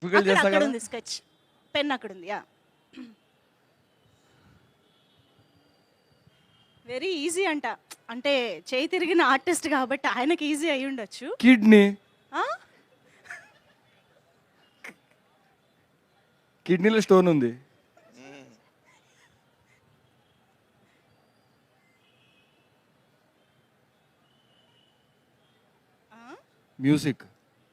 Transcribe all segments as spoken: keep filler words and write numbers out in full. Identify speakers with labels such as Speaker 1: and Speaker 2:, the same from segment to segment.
Speaker 1: Difficult
Speaker 2: అక్కడ
Speaker 1: చేస్తా
Speaker 2: అక్కడ
Speaker 1: కదా
Speaker 2: ఉంది స్కెచ్ పెన్ అక్కడ ఉంది యా వెరీ ఈజీ అంట అంటే చేయి తిరిగిన ఆర్టిస్ట్ కాబట్టి ఆయనకి ఈజీ అయి ఉండొచ్చు
Speaker 1: కిడ్నీ
Speaker 2: ఆ?
Speaker 1: కిడ్నీలో స్టోన్ ఉంది మ్యూజిక్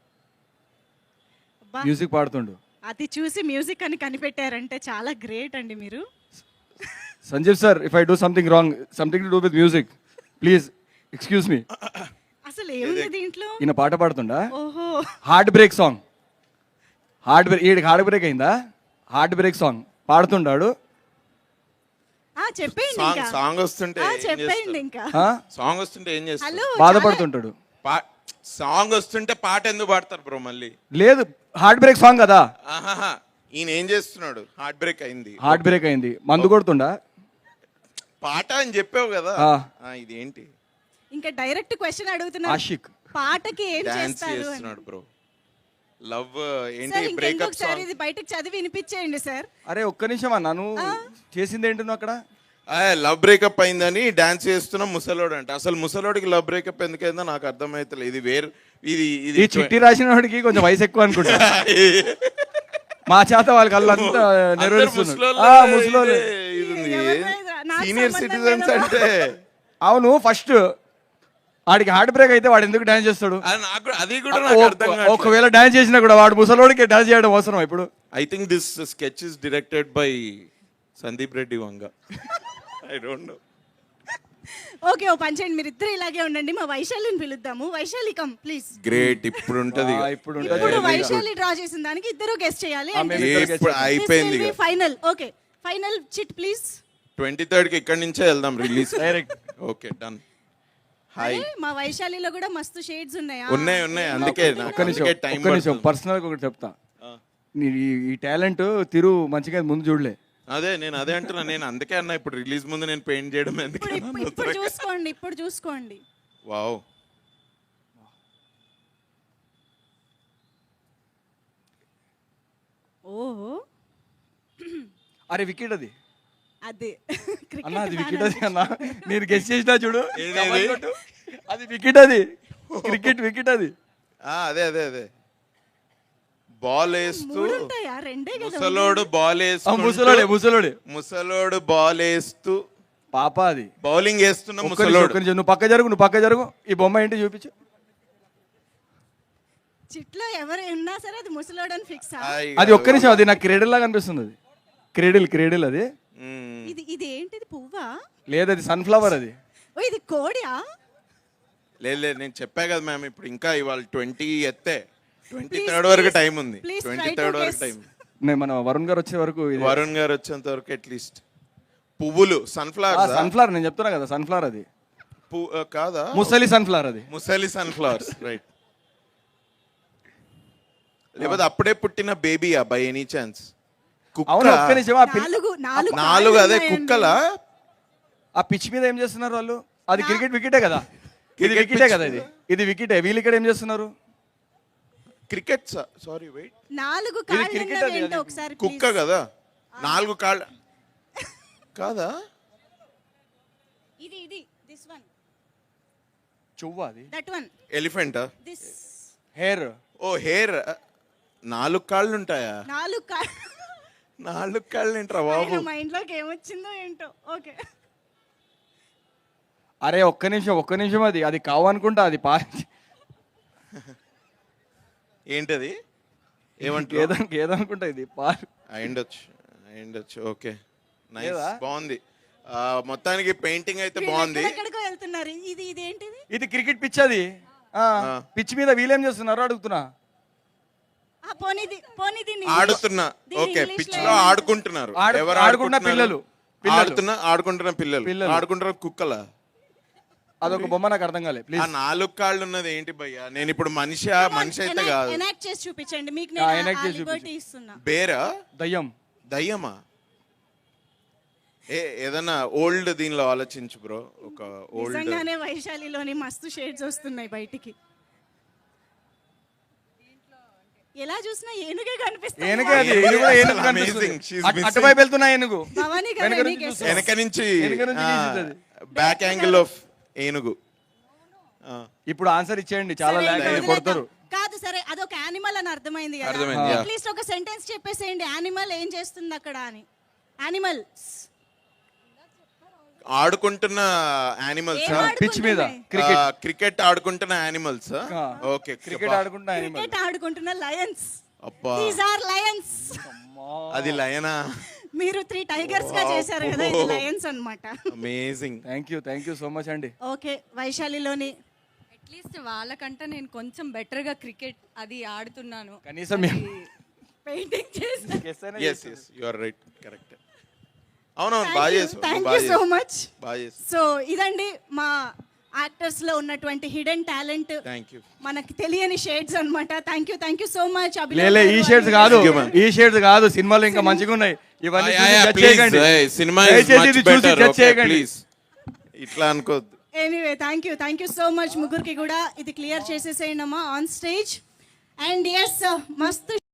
Speaker 2: అబ్బా,
Speaker 1: మ్యూజిక్ పాడుతుండు
Speaker 2: అది చూసి మ్యూజిక్ అని కనిపెట్టారంటే చాలా గ్రేట్ అండి మీరు
Speaker 1: Sanjeev sir if I do something wrong something to do with music please excuse me
Speaker 2: అసలు ఏముంది దీంట్లో
Speaker 1: ఈయన పాట పాడుతుండా
Speaker 2: ఓహో
Speaker 1: heart break song heart break ఈడికి హార్ట్ బ్రేక్ అయిందా హార్ట్ బ్రేక్ సాంగ్ పాడుతుండాడు
Speaker 2: ఆ చెప్పేయండి
Speaker 3: సాంగ్
Speaker 2: ఇంకా
Speaker 3: సాంగ్ వస్తుంటే
Speaker 2: ఆ
Speaker 3: ఏం
Speaker 2: చెప్పేయండి
Speaker 3: చేస్తారు?
Speaker 2: ఇంకా
Speaker 1: ఆ?
Speaker 3: సాంగ్ వస్తుంటే ఏం చేస్తారు
Speaker 2: హలో
Speaker 1: బాధపడుతుంటాడు
Speaker 3: పా- సాంగ్ వస్తుంటే పాట ఎందుకు పాడతారు బ్రో మళ్ళీ
Speaker 1: లేదు హార్ట్ బ్రేక్ సాంగ్ కదా
Speaker 3: ఆహాహా ఈయన ఏం చేస్తున్నాడు హార్ట్ బ్రేక్ అయింది
Speaker 1: హార్ట్ బ్రేక్ అయింది మందు కొడుతుండా
Speaker 3: పాట అని చెప్పావు కదా
Speaker 1: ఆ.
Speaker 3: ఆ, ఇదేంటి
Speaker 2: ఇంకా డైరెక్ట్ క్వశ్చన్ అడుగుతున్నారు
Speaker 1: ఆషిక్
Speaker 2: పాటకి ఏం
Speaker 3: డాన్స్
Speaker 2: చేస్తారు అని
Speaker 3: చేస్తున్నాడు బ్రో లవ్ ఏంటి
Speaker 2: సార్
Speaker 3: బ్రేకప్
Speaker 2: ఇంకొకసారి
Speaker 3: సాంగ్
Speaker 2: ఇది బయటకు చదివి వినిపించేయండి సార్
Speaker 1: అరే ఒక్క నిమిషం అన్న నువ్వు చేసింది ఏంటి నువ్వు అక్కడ
Speaker 3: లవ్ బ్రేకప్ అయిందని డాన్స్ చేస్తున్న ముసలోడు అంట అసలు ముసలోడికి లవ్ బ్రేకప్ ఎందుకైందో నాకు అర్థమైతలేదు ఇది వేరు ఇది
Speaker 1: ఈ
Speaker 3: ఇది
Speaker 1: చిట్టి రాసిన వాడికి కొంచెం వయసు ఎక్కువ అనుకుంటా మా చేత వాళ్ళకి అల్లంతా నెరవేరుస్తున్నారు ఆ, ముసలోళ్ళు.
Speaker 3: సీనియర్
Speaker 2: నాకు
Speaker 3: సిటిజన్స్
Speaker 2: సంబంధం
Speaker 3: అంటే
Speaker 1: అవును ఫస్ట్ వాడికి హార్ట్ బ్రేక్ అయితే వాడు ఎందుకు డాన్స్ చేస్తాడు
Speaker 3: అది నాకు కూడా- అది కూడా నాకు అర్థం
Speaker 1: ఒక- ఒకవేళ డాన్స్ చేసినా కూడా వాడు ముసలోడికి డాన్స్ చేయడం అవసరం ఇప్పుడు
Speaker 3: I think this sketch is directed by Sandeep Reddy Vanga I don't know
Speaker 2: okay ఓ పని చేయండి మీరు ఇద్దరు ఇలాగే ఉండండి మా వైశాలిని పిలుద్దాము వైశాలి కమ్ ప్లీజ్
Speaker 3: గ్రేట్ ఇప్పుడు ఉంటది
Speaker 1: ఆ, ఇప్పుడు ఉంటది.
Speaker 2: ఇప్పుడు
Speaker 1: Very good.
Speaker 2: వైశాలి డ్రా చేసిన దానికి ఇద్దరు గెస్ట్ చేయాలి
Speaker 1: ఆ, మేము ఇద్దరు guess చేస్తాం.
Speaker 3: అయిపోయింది
Speaker 2: final okay final chit please
Speaker 3: twenty third కి ఇక్కడి నుంచే వెళ్దాం release
Speaker 1: direct
Speaker 3: okay done hi
Speaker 2: మా వైశాలిలో కూడా మస్తు షేడ్స్ ఉన్నాయా
Speaker 3: ఉన్నాయి ఉన్నాయి అందుకే నాకు
Speaker 1: ఒక్క నిమిషం
Speaker 3: అందుకే టైం
Speaker 1: ఒక్క నిమిషం పర్సనల్ ఒకటి చెప్తా నీ ఈ- ఈ టాలెంట్ తిరు మంచిగా ముందు చూడలే
Speaker 3: అదే నేను అదే అంటున్నా నేను అందుకే అన్నా ఇప్పుడు రిలీజ్ ముందు నేను పెయింట్ చేయడం
Speaker 2: ఇప్పుడు
Speaker 3: ఎందుకే
Speaker 2: ఇప్పుడు ఇప్పుడు చూసుకోండి ఇప్పుడు చూసుకోండి
Speaker 3: వావ్
Speaker 2: ఓహో
Speaker 1: అరే వికెట్ అది
Speaker 2: అదే
Speaker 1: అన్న అది
Speaker 2: క్రికెట్
Speaker 1: వికెట్ అది అన్న నేను గెస్ చేసినా చూడు
Speaker 3: ఏది?
Speaker 1: కబడ్డీ కొట్టు. అది వికెట్ అది క్రికెట్ వికెట్ అది
Speaker 3: ఆ, అదే అదే అదే బాల్ వేస్తూ
Speaker 2: మూడు ఉంటాయా రెండే కదా
Speaker 3: ముసలోడు బాల్
Speaker 1: ఆ, ముసలోడే
Speaker 3: వేస్తూ
Speaker 1: ముసలోడే
Speaker 3: ముసలోడు బాల్ వేస్తూ
Speaker 1: పాప అది
Speaker 3: బౌలింగ్ వేస్తున్న
Speaker 1: ఒక్క నిమిషం,
Speaker 3: ముసలోడు
Speaker 1: ఒక్క నిమిషం. నువ్వు పక్క జరుగు నువ్వు పక్క జరుగు ఈ బొమ్మ ఏంటి చూపించు
Speaker 2: చిట్లో ఎవరు ఉన్నా సరే అది ముసలోడు అని ఫిక్స్
Speaker 3: హాయ్
Speaker 1: అది ఒక్క నిమిషం అది నాకు క్రెడిల్ లాగా అనిపిస్తుంది అది క్రెడిల్ క్రెడిల్ అది
Speaker 3: మ్మ్.
Speaker 2: ఇది ఇది ఏంటిది పువ్వా
Speaker 1: లేదు అది సన్ఫ్లవర్ అది
Speaker 2: ఓ ఇది కోడియా
Speaker 3: లేదు లేదు నేను చెప్పా కదా మ్యామ్ ఇప్పుడు ఇంకా ఇవాళ ట్వంటీ ఎత్తే ట్వంటీ
Speaker 2: Please,
Speaker 3: థర్డ్ వరకు
Speaker 2: please,
Speaker 3: టైం ఉంది
Speaker 2: please
Speaker 3: twenty
Speaker 2: try to
Speaker 3: third వరకు
Speaker 2: guess.
Speaker 3: టైం
Speaker 1: నేను మన వరుణ్ గారు వచ్చే వరకు ఇది
Speaker 3: వరుణ్ గారు వచ్చేంత వరకు అట్లీస్ట్ పువ్వులు సన్ఫ్లవర్స్
Speaker 1: సన్ఫ్లవర్ నేను చెప్తున్నా కదా సన్ఫ్లవర్ అది
Speaker 3: కాదా
Speaker 1: ముసలి సన్ఫ్లవర్ అది
Speaker 3: ముసలి సన్ఫ్లవర్స్ రైట్ లేకపోతే అప్పుడే పుట్టిన బేబీయా బై ఎనీ ఛాన్స్
Speaker 1: అవును ఒక్క
Speaker 3: కుక్క
Speaker 1: నిమిషం ఆ పిల్ల-
Speaker 2: నాలుగు నాలుగు
Speaker 3: నాలుగు
Speaker 2: కాళ్ళు
Speaker 3: అదే
Speaker 2: ఉన్నాయండి.
Speaker 3: కుక్కలా
Speaker 1: ఆ పిచ్ మీద ఏం చేస్తున్నారు వాళ్ళు అది క్రికెట్ వికెటే కదా ఇది
Speaker 3: Cricket
Speaker 1: వికెటే
Speaker 3: pitch
Speaker 1: కదా ఇది ఇది వికెటే వీళ్ళు ఇక్కడ ఏం చేస్తున్నారు
Speaker 3: క్రికెట్ సారీ వెయిట్
Speaker 2: నాలుగు
Speaker 1: ఇది
Speaker 2: కాళ్ళు
Speaker 1: cricket
Speaker 2: ఉన్నవి
Speaker 1: అది,
Speaker 2: ఏంటో
Speaker 1: అది.
Speaker 2: ఒకసారి
Speaker 3: కుక్క
Speaker 2: please.
Speaker 3: కదా నాలుగు కాళ్ళ కాదా
Speaker 2: ఇది ఇది దిస్ వన్
Speaker 1: చువ్వ అది
Speaker 2: దట్ వన్
Speaker 3: ఎలిఫెంటా
Speaker 2: దిస్
Speaker 1: హెయిర్
Speaker 3: ఓ హెయిర్ నాలుగు కాళ్ళు ఉంటాయా
Speaker 2: నాలుగు కాళ్ళు
Speaker 3: నాలుగు కాళ్ళు ఏంట్రా బాబు
Speaker 2: మైండ్ లోకి ఏమొచ్చిందో ఏంటో ఓకే
Speaker 1: అరే ఒక్క నిమిషం ఒక్క నిమిషం అది అది కావనుకుంటా అది పా
Speaker 3: ఏంటది ఏమంటారు
Speaker 1: ఏదో ఏదనుకుంటా ఇది పా
Speaker 3: అయిండొచ్చు అయిండొచ్చు ఓకే నైస్
Speaker 1: లేదా?
Speaker 3: బాగుంది ఆ, మొత్తానికి పెయింటింగ్ అయితే బాగుంది
Speaker 2: ఎక్కడికో వెళ్తున్నారు ఇది ఇది ఏంటిది
Speaker 1: ఇది క్రికెట్ పిచ్ అది పిచ్ మీద వీళ్ళేం చేస్తున్నారు అడుగుతున్నా
Speaker 2: ఆ పోనీది పోనీది
Speaker 3: ఆడుతున్నా
Speaker 2: దీన్ని
Speaker 3: ఓకే
Speaker 2: English
Speaker 3: పిచ్
Speaker 2: లో
Speaker 3: లో ఆడుకుంటున్నారు
Speaker 1: ఆడు-
Speaker 3: ఎవరు
Speaker 1: ఆడుకుంటున్న
Speaker 3: ఆడుకుంటున్నారు?
Speaker 1: పిల్లలు. పిల్లలు.
Speaker 3: ఆడుతున్న ఆడుకుంటున్న పిల్లలు
Speaker 1: పిల్లలు.
Speaker 3: ఆడుకుంటున్న కుక్కల
Speaker 1: అదొక బొమ్మ నాకు అర్థం కాలే
Speaker 3: ఆ
Speaker 1: ప్లీజ్
Speaker 3: నాలుగు కాళ్ళు ఉన్నది ఏంటి భయ్యా నేను ఇప్పుడు మనిషి మనిషి అయితే కాదు
Speaker 2: ఎనాక్ట్ చేసి చూపించండి మీకు
Speaker 1: ఆ,
Speaker 2: నేను
Speaker 1: enact
Speaker 2: ఆ
Speaker 1: చేసి
Speaker 2: లిబర్టీ
Speaker 1: చూపించు.
Speaker 2: ఇస్తున్నా
Speaker 3: బేరా
Speaker 1: దయ్యం
Speaker 3: దయ్యమా ఏ ఏదన్నా ఓల్డ్ దీనిలో ఆలోచించు బ్రో ఒక ఓల్డ్
Speaker 2: నిజంగానే వైశాలిలోని మస్తు షేడ్స్ వస్తున్నాయి బయటికి ఎలా చూసినా ఏనుగే కనిపిస్తుంది
Speaker 1: ఏనుగే అది ఇది కూడా ఏనుగు
Speaker 3: Amazing.
Speaker 1: కనిపిస్తుంది.
Speaker 3: She's
Speaker 1: అటు-
Speaker 3: missing.
Speaker 1: అటువైపు వెళ్తున్నా ఏనుగు
Speaker 2: భవానీ గారు
Speaker 1: వెనక
Speaker 2: ఎనీ
Speaker 1: నుంచి
Speaker 2: guess?
Speaker 1: చూస్తుంది.
Speaker 3: వెనక నుంచి
Speaker 1: వెనక నుంచి గీసుతుంది.
Speaker 3: బ్యాక్ యాంగిల్ ఆఫ్ ఏనుగు ఆ,
Speaker 1: ఇప్పుడు ఆన్సర్ ఇచ్చేయండి చాలా
Speaker 2: సరే,
Speaker 1: లాగ్
Speaker 2: ఇంకా
Speaker 1: అయ్యి
Speaker 2: వదిలేద్దాం.
Speaker 1: కొడతారు.
Speaker 2: కాదు సరే అదొక యానిమల్ అని అర్థమైంది కదా
Speaker 3: అర్థమైంది, yeah.
Speaker 2: అట్లీస్ట్ ఒక సెంటెన్స్ చెప్పేసేయండి యానిమల్ ఏం చేస్తుంది అక్కడ అని యానిమల్
Speaker 3: ఆడుకుంటున్న యానిమల్స్
Speaker 2: ఏం ఆడుకుంటున్నాయి?
Speaker 1: పిచ్ మీద క్రికెట్
Speaker 3: క్రికెట్ ఆడుకుంటున్న యానిమల్స్
Speaker 1: ఆ.
Speaker 3: ఓకే
Speaker 1: క్రికెట్ ఆడుకుంటా animal.
Speaker 2: క్రికెట్ ఆడుకుంటున్న లయన్స్
Speaker 3: అబ్బా
Speaker 2: దీస్ ఆర్ లయన్స్
Speaker 3: అది లయనా
Speaker 2: మీరు త్రీ టైగర్స్ గా చేశారు కదా ఇది లయన్స్ అన్నమాట
Speaker 3: amazing
Speaker 1: thank you thank you so much అండి.
Speaker 2: ఓకే వైశాలిలోని
Speaker 4: అట్లీస్ట్ వాళ్ళకంటే నేను కొంచెం బెటర్ గా క్రికెట్ అది ఆడుతున్నాను.
Speaker 1: కనీసం మేము
Speaker 2: పెయింటింగ్ చేశారు
Speaker 1: guess అయినా
Speaker 3: yes yes you are right correct అవునవును బాగా చేసావు
Speaker 2: థ్యాంక్
Speaker 3: బాగా
Speaker 2: యూ సో
Speaker 3: చేసావు
Speaker 2: మచ్
Speaker 3: బాగా చేసావు
Speaker 2: సో ఇదండి మా యాక్టర్స్ లో ఉన్నటువంటి హిడెన్ టాలెంట్
Speaker 3: థ్యాంక్ యూ
Speaker 2: మనకి తెలియని షేడ్స్ అన్నమాట thank you thank you so much
Speaker 1: లేలే ఈ షేడ్స్ కాదు ఈ షేడ్స్ కాదు సినిమాలో ఇంకా మంచిగా ఉన్నాయి ఇవన్నీ చూసి judge చేయకండి.
Speaker 3: సినిమా
Speaker 1: దయచేసి ఇది చూసి judge చేయకండి.
Speaker 3: ప్లీజ్ ఇట్లా అనుకోవద్దు
Speaker 2: anyway thank you thank you so much ముగ్గురికి కూడా ఇది క్లియర్ చేసేసేయండి అమ్మా ఆన్ స్టేజ్ అండ్ ఎస్ మస్తు